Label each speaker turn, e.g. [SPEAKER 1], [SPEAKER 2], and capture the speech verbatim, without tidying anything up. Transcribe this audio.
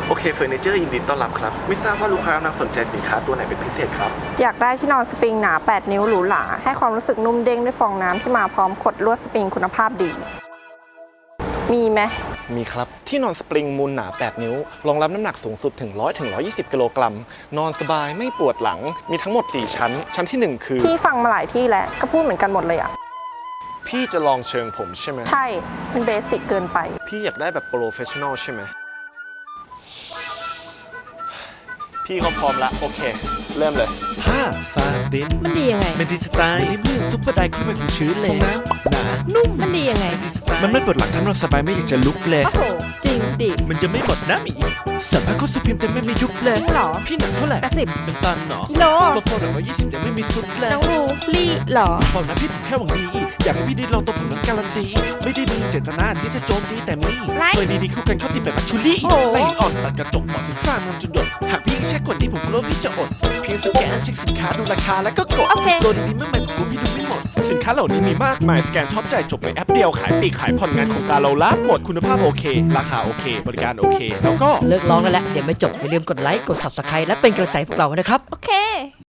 [SPEAKER 1] โอเคเฟอร์นิเจอร์ยินดีต้อนรับครับไม่ทราบว่าลูกค้ากำลังสนใจสินค้าตัวไหนเป็นพิเศษครับ
[SPEAKER 2] อยากได้ที่นอนสปริงหนาแปดนิ้วหรูหราให้ความรู้สึกนุ่มเด้งด้วยฟองน้ำที่มาพร้อมขดลวดสปริงคุณภาพดีมีไหม
[SPEAKER 1] มีครับที่นอนสปริงมูลหนาแปดนิ้วรองรับน้ำหนักสูงสุดถึงหนึ่งร้อยถึงหนึ่งร้อยยี่สิบกิโลกรัมนอนสบายไม่ปวดหลังมีทั้งหมดสี่ชั้นชั้นที่หนึ่งคือ
[SPEAKER 2] พี่ฟังมาหลายที่แล้วก็พูดเหมือนกันหมดเลยอ่ะ
[SPEAKER 1] พี่จะลองเชิงผมใช่ไหม
[SPEAKER 2] ใช่มันเบสิกเกินไป
[SPEAKER 1] พี่อยากได้แบบโปรเฟชชั่นอลใช่ไหมพี่เขาพร้อมละโอเคเริ่มเลย
[SPEAKER 3] ผ้าซาติน
[SPEAKER 4] มันดียังไง
[SPEAKER 3] มันดีจะตายในเมื่อซุปเปอร์ไดขึ้นมาของชื้นเลยนะหนานุ่ม
[SPEAKER 4] มันดียังไง
[SPEAKER 3] มันไม่ปวดหลังทั้งนอนสบายไม่อยากจะลุกเลย
[SPEAKER 4] โอ้โหจริงดิ
[SPEAKER 3] มันจะไม่หมดนะหมีสัมภาระก็สุพิมแต่ไม่มียุบเลย
[SPEAKER 4] จริงเหรอ
[SPEAKER 3] พี่หนักเท่าไหร่
[SPEAKER 4] แปดสิบ
[SPEAKER 3] เป็นตันเหรอ
[SPEAKER 4] กิโล
[SPEAKER 3] ก็โฟนหนึ่งร้อยยี่สิบยังไม่มีซุปเลย
[SPEAKER 4] น้องรูลี่เหรอ
[SPEAKER 3] บอกนะพี่ผมแค่หวังดีอยากให้พี่ได้ลองตัวผมนั้นการันตีไม่ได้มีเจตนาที่จะโจมตีแต่มีเคยดีๆคู่กันเข้าติดแบบมัชชูรี่ไล่อ่อนตัดกระจกหมอสินค้านำจุดเด่นหากพี่แค่กดนี้ผมกลัวพี่จะอดเพียงสแกนเช็คสินค้าดูราคาแล้วก็กดโปรดีๆเมื่อไหร่ผมพี่ดูไม่หมดสินค้าเหล่านี้มีมากมายสแกนช็อปจ่ายจบในแอปเดียวขายปีกขายผ่อนงานของการเราละหมดคุณภาพโอเคราคาโอเคบริการโอเคแล้วก็
[SPEAKER 4] เลิกร้องกันแล้วเดี๋ยวไม่จบอย่าลืมกดไลค์กด ซับสไครบ์ และเป็นกำลังใจพวกเรานะครับโอเค